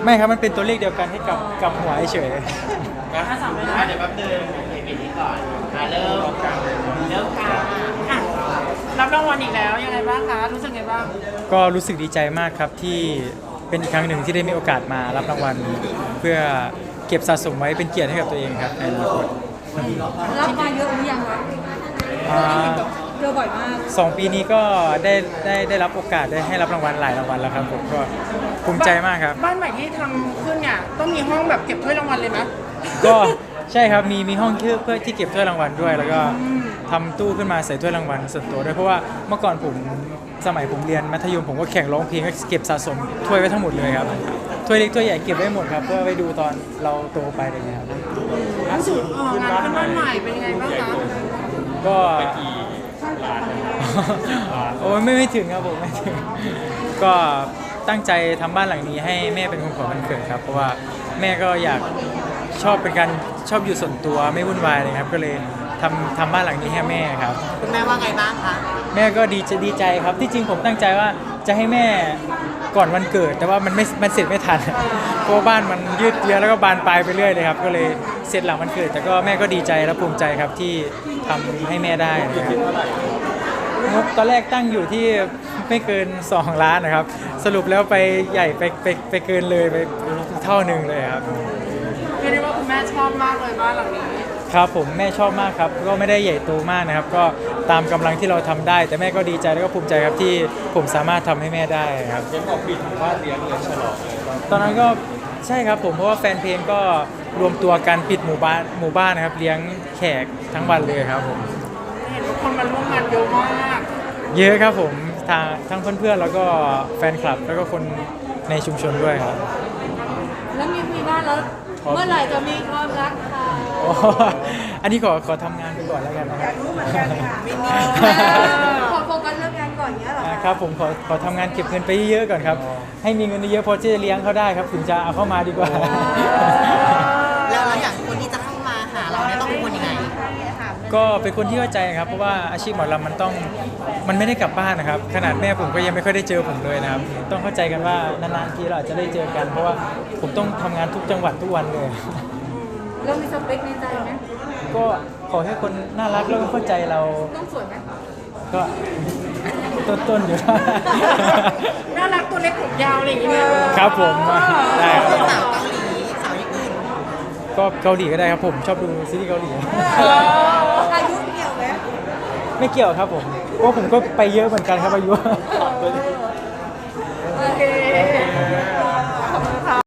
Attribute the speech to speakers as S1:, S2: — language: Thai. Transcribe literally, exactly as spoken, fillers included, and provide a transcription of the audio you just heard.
S1: ไม่ครับมันเป็นตัวเลขเดียวกันให้กับกับหัวเฉย
S2: นะสามเลยนะเดี๋ยวแป๊บนึงเก็บนี้ก่อนอ่ะเริ่มเริ่มค่ะอ่ะรับรางวัลอีกแล้วยังไงบ้างคะรู้สึกไงบ้าง
S1: ก็รู้สึกดีใจมากครับที่เป็นอีกครั้งหนึ่งที่ได้มีโอกาสมารับรางวัลเพื่อเก็บสะสมไว้เป็นเกียรติให้กับตัวเองครับในอนาคต
S3: รับมาเยอะหรือยังคะ
S1: อ่า
S3: เจอบ่อยมาก
S1: สองปีนี้ก็ได้ได้ได้รับโอกาสได้ให้รับรางวัลหลายรางวัลแล้วครับผมก็ภูมิใจมากครับ
S2: บ้านใหม่ที่ทำขึ้นเนี่ยต้องมีห้องแบบเก็บถ้วยรางวัลเลยไหม
S1: ก็ใช่ครับมีมีห้องที่เพื่อที่เก็บถ้วยรางวัลด้วย แล้วก็ทำตู้ขึ้นมาใส่ถ้วยรางวัลส่วนตัวด้วยเพราะว่าเมื่อก่อนผมสมัยผมเรียนมัธยมผมก็แข่งร้องเพลงก็เก็บสะสมถ้วยไว้ทั้งหมดเลยครับถ้วยเล็กถ้วยใหญ่เก็บไว้หมดครับเพื่อไปดูตอนเราโตไปอะไรเงี้ยครับ
S2: ล่าสุดเอ่องานขึ้นบ้านใหม่เป็นยังไงบ้างคะ
S1: ก็ โอ้ยไม่ไม่ถึงครับผมไม่ถึงก็ตั้งใจทำบ้านหลังนี้ให้แม่เป็นของขวัญวันเกิดครับเพราะว่าแม่ก็อยากชอบเป็นการชอบอยู่ส่วนตัวไม่วุ่นวายเลยครับก็เลยทำทำบ้านหลังนี้ให้แม่ครับ
S2: คุณแม่ว่าไงบ้างคะ
S1: แม่ก็ดีใจดีใจครับที่จริงผมตั้งใจว่าจะให้แม่ก่อนวันเกิด แต่ว่ามันไม่มันเสร็จไม่ทันเพราะว่าบ้านมันยืดเยื้อแล้วก็บานปลายไปเรื่อยเลยครับก็เลยเสร็จหลังวันเกิด แต่ก็แม่ก็ดีใจและภูมิใจครับที่ทำให้แม่ได้นะครับงบตอนแรกตั้งอยู่ที่ไม่เกินสองล้านนะครับสรุปแล้วไปใหญ่ไปไปไปเกินเลยไปเท่าหนึ่งเลยครับ
S2: เรียกได้ว่าคุณแม่ชอบมากเลยบ้านหลังนี้
S1: ครับผมแม่ชอบมากครับก็ไม่ได้ใหญ่โตมากนะครับ ก็ตามกำลังที่เราทำได้ แต่แม่ก็ดีใจแล้วก็ภูมิใจครับที่ผมสามารถทำให้แม่ได้ครับยังออกปิดบ้านเลี้ยงเลยฉลองตอนนั้นก็ใช่ครับผมเพราะว่าแฟนเพลงก็รวมตัวกันปิดหมู่บ้านหมู่บ้านนะครับเลี้ยงแขกทั้งวันเลยครับผม
S2: เห็นว่าคนมาร่วมงานเยอะมาก
S1: เยอะครับผมทางทั้งเพื่อนๆแล้วก็แฟนคลับแล้วก็คนในชุมชนด้วยครับ
S3: แล้วมีมีบ้านแล้วเมื่อไหร่จะมีความรักคะ
S1: อ๋ออันนี้ขอขอทำงานไปก่อนแล้วกันนะครับ
S3: ขอโฟกัสเรื่องงานก่อนเนี้ยเหรอ
S1: อ่า
S3: คะ
S1: ครับผมขอขอทำงานเก็บเงินไปเยอะๆก่อนครับให้มีเงินเยอะๆพอที่จะเลี้ยงเขาได้ครับถึงจะเอาเข้ามาดีกว่า
S4: แล้วเราอย่างคนที่จะเข้ามาหาเราเนี่ยต้องเป็นคนยังไง
S1: ก็เป็นคนที่เข้าใจครับเพราะว่าอาชีพหมอลำมันต้องมันไม่ได้กลับบ้านนะครับขนาดแม่ผมก็ยังไม่ค่อยได้เจอผมเลยนะครับต้องเข้าใจกันว่านานๆทีเราอาจจะได้เจอกัน เพราะว่าผมต้องทำงานทุกจังหวัดทุกวันเลย
S3: เรามีสเปคในใจไหม
S1: ก็ขอให้คนน่ารักแล้วก็เข้าใจเรา
S3: ต้องสวยไหม
S1: ก็ต้นๆอยู่
S2: น่ารักตัวเล็กผมยาวอะไรอย่างเงี้ย
S1: ครับผมได้ครับ
S4: สาวเกาหลีสาวญี่ปุ่น
S1: ก็เกาหลีก็ได้ครับผมชอบดูซีรีส์เกาหลี
S3: อายุเกี่ยวไหม
S1: ไม่เกี่ยวครับผมเพราะผมก็ไปเยอะเหมือนกันครับอายุ
S3: เอ